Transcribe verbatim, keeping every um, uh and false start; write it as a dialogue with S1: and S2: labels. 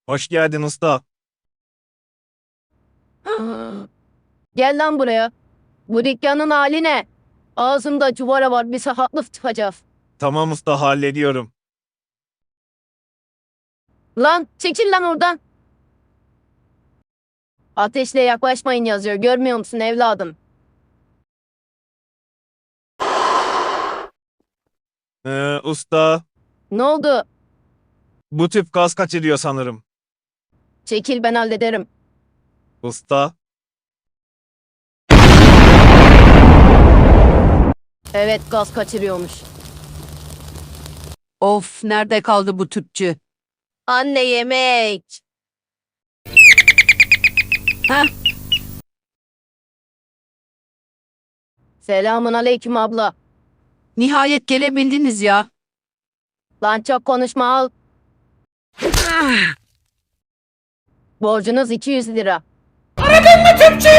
S1: Hoş geldin usta.
S2: Gel lan buraya. Bu dükkanın hali ne? Ağzımda cuvara var, bir sahatlı tıkacağız.
S1: Tamam usta, hallediyorum.
S2: Lan çekil lan oradan. Ateşle yaklaşmayın yazıyor. Görmüyor musun evladım?
S1: Ee, usta,
S2: Ne oldu?
S1: bu tüp gaz kaçırıyor sanırım.
S2: Çekil, ben hallederim.
S1: Usta,
S2: Evet, gaz kaçırıyormuş.
S3: Of, nerede kaldı bu tüpçü?
S2: Anne, yemek.
S3: Heh,
S2: Selamun aleyküm abla.
S3: nihayet gelebildiniz ya.
S2: Lan çok konuşma, al. Borcunuz iki yüz lira.
S4: Aradın mı tüpçü?